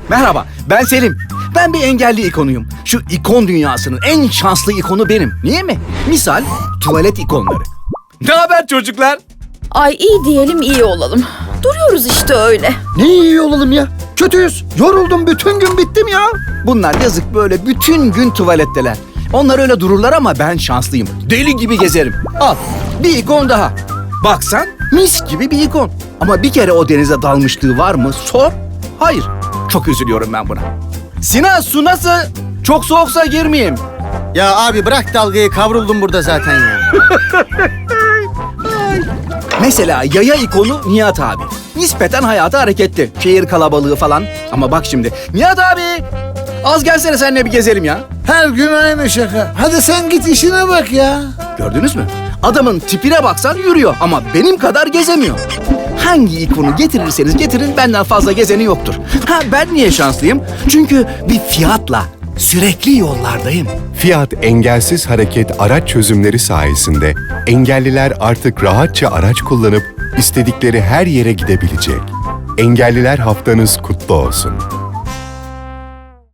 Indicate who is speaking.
Speaker 1: Merhaba, ben Selim. Ben bir engelli ikonuyum. Şu ikon dünyasının en şanslı ikonu benim. Niye mi? Misal, tuvalet ikonları. Ne haber çocuklar?
Speaker 2: Ay iyi diyelim iyi olalım. Duruyoruz işte öyle.
Speaker 3: Ne iyi olalım ya? Kötüyüz. Yoruldum, bütün gün bittim ya.
Speaker 1: Bunlar yazık böyle bütün gün tuvaletteler. Onlar öyle dururlar ama ben şanslıyım. Deli gibi gezerim. Al, bir ikon daha. Baksan mis gibi bir ikon. Ama bir kere o denize dalmışlığı var mı? Sor. Hayır. Çok üzülüyorum ben buna. Sinan, su nasıl? Çok soğuksa girmeyeyim.
Speaker 3: Ya abi bırak dalgayı, kavruldum burada zaten ya.
Speaker 1: Mesela yaya ikonu Nihat abi. Nispeten hayatı hareketli. Şehir kalabalığı falan. Ama bak şimdi. Nihat abi! Az gelsene seninle bir gezelim ya.
Speaker 4: Her gün aynı şaka. Hadi sen git işine bak ya.
Speaker 1: Gördünüz mü? Adamın tipine baksan yürüyor ama benim kadar gezemiyor. Hangi ikonu getirirseniz getirin benden fazla gezeni yoktur. Ha, ben niye şanslıyım? Çünkü bir Fiat'la sürekli yollardayım.
Speaker 5: Fiat engelsiz hareket araç çözümleri sayesinde engelliler artık rahatça araç kullanıp istedikleri her yere gidebilecek. Engelliler haftanız kutlu olsun.